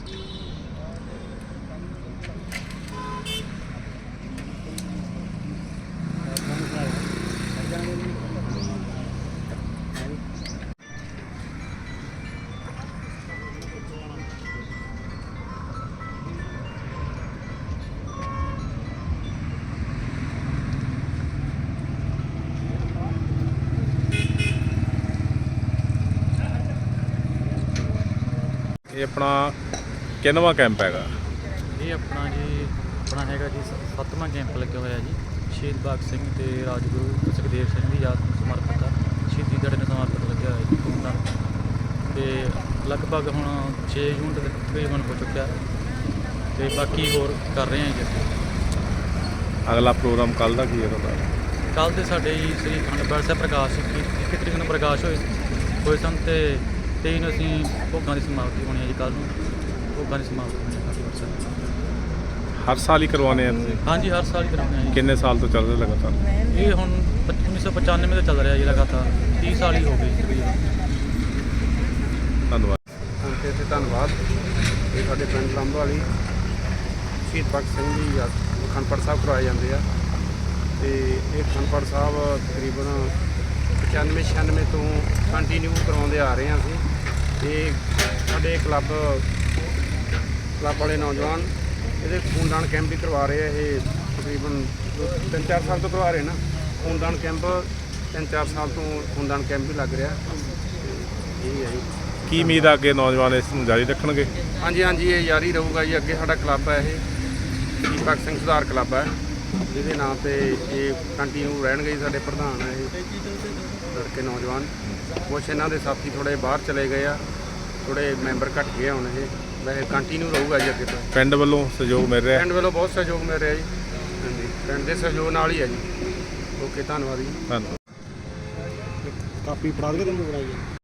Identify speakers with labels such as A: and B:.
A: ये अपना किन्नवा कैंप हैगा?
B: ये अपना हैगा जी 7वां कैंप लगे होया जी। शहीद भगत सिंह ते राजगुरु सुखदेव सिंह की याद ਨੂੰ ਸਮਰਪਿਤ ਆ। शहीदी ਦਿਹਾੜੇ ਨੂੰ ਸਮਰਪਿਤ ਲੱਗਿਆ ਹੋਇਆ ਜੀ ਧੂਮਧਾਮ ਤੇ ਲਗਭਗ ਹੁਣ 6 ਜੂਨ ਤੱਕ ਤਕਰੀਬਨ ਹੋ ਚੁੱਕਿਆ ਤੇ ਬਾਕੀ ਹੋਰ ਕਰ ਰਹੇ ਹਾਂ ਜੀ।
A: अगला प्रोग्राम कल का की है ਤੁਹਾਡਾ?
B: ਕੱਲ੍ਹ ਦੇ ਸਾਡੇ ਜੀ ਸ੍ਰੀ ਅਖੰਡ ਪਾਠ ਸਾਹਿਬ ਪ੍ਰਕਾਸ਼ 21 ਤਰੀਕ ਨੂੰ ਪ੍ਰਕਾਸ਼ ਹੋਏ ਸਨ ਤੇ 23 ਨੂੰ ਅਸੀਂ ਭੋਗਾਂ ਦੀ ਸਮਾਪਤੀ ਹੋਣੀ ਹੈ ਜੀ। ਕੱਲ੍ਹ ਨੂੰ ਭੋਗਾਂ ਦੀ ਸਮਾਪਤੀ ਹੋਣੀ ਹੈ ਅਖੰਡ ਪਾਠ ਸਾਹਿਬ।
A: हर साल ही करवाने हैं ਤੁਸੀਂ?
B: ਹਾਂਜੀ ਹਰ ਸਾਲ ਹੀ ਕਰਾਉਂਦੇ ਹਾਂ ਜੀ।
A: किन्ने साल तो चल रहे लगातार?
B: ਇਹ ਹੁਣ 1995 ਤੋਂ ਚੱਲ ਰਿਹਾ ਜੀ ਲਗਾਤਾਰ 30 ਸਾਲ ਹੀ ਹੋ ਗਏ ਤਕਰੀਬਨ।
A: ਧੰਨਵਾਦ।
C: ਤੇ ਧੰਨਵਾਦ। ਇਹ ਸਾਡੇ ਪਿੰਡ ਲੰਬ ਵਾਲੀ ਸ਼ਹੀਦ ਭਗਤ ਸਿੰਘ ਜੀ ਅਖੰਡ ਪਾਠ ਸਾਹਿਬ ਕਰਵਾਏ ਜਾਂਦੇ ਆ ਤੇ ਇਹ ਅਖੰਡ ਪਾਠ ਸਾਹਿਬ ਤਕਰੀਬਨ 95-96 ਤੋਂ ਕੰਟੀਨਿਊ ਕਰਵਾਉਂਦੇ ਆ ਰਹੇ ਹਾਂ ਅਸੀਂ। ਤੇ ਸਾਡੇ ਕਲੱਬ ਵਾਲੇ ਨੌਜਵਾਨ ਇਹਦੇ ਖੂਨਦਾਨ ਕੈਂਪ ਵੀ ਕਰਵਾ ਰਹੇ ਆ। ਇਹ ਤਕਰੀਬਨ 3-4 ਸਾਲ ਤੋਂ ਕਰਵਾ ਰਹੇ ਨਾ ਖੂਨਦਾਨ ਕੈਂਪ। 3-4 ਸਾਲ ਤੋਂ ਖੂਨਦਾਨ ਕੈਂਪ ਵੀ ਲੱਗ ਰਿਹਾ। ਇਹ ਹੈ ਜੀ।
A: ਕੀ ਉਮੀਦ ਆ ਅੱਗੇ ਨੌਜਵਾਨ ਇਸ ਨੂੰ ਜਾਰੀ ਰੱਖਣਗੇ?
C: ਹਾਂਜੀ ਇਹ ਜਾਰੀ ਰਹੂਗਾ ਜੀ। ਅੱਗੇ ਸਾਡਾ ਕਲੱਬ ਹੈ ਇਹ ਸ਼ਹੀਦ ਭਗਤ ਸਿੰਘ ਸੁਧਾਰ ਕਲੱਬ ਹੈ ਜਿਹਦੇ ਨਾਂ ਤੇ ਇਹ ਕੰਟੀਨਿਊ ਰਹਿਣਗੇ ਜੀ। ਸਾਡੇ ਪ੍ਰਧਾਨ ਹੈ ਇਹ ਲੜਕੇ ਨੌਜਵਾਨ। ਕੁਛ ਇਹਨਾਂ ਦੇ ਸਾਥੀ ਥੋੜ੍ਹੇ ਬਾਹਰ ਚਲੇ ਗਏ ਆ, ਥੋੜ੍ਹੇ ਮੈਂਬਰ ਘੱਟ ਗਏ ਹੁਣ। ਇਹ ਵੈਸੇ ਕੰਟੀਨਿਊ ਰਹੂਗਾ ਜੀ ਅੱਗੇ ਤੋਂ।
A: ਪਿੰਡ ਵੱਲੋਂ ਸਹਿਯੋਗ ਮਿਲ ਰਿਹਾ?
C: ਪਿੰਡ ਵੱਲੋਂ ਬਹੁਤ ਸਹਿਯੋਗ ਮਿਲ ਰਿਹਾ ਜੀ। ਹਾਂਜੀ ਪਿੰਡ ਦੇ ਸਹਿਯੋਗ ਨਾਲ ਹੀ ਹੈ ਜੀ। ਓਕੇ ਧੰਨਵਾਦ ਜੀ।
A: ਧੰਨਵਾਦ।
C: ਕਾਪੀ ਪੜਾ ਦੇ ਤੈਨੂੰ ਬਣਾਈ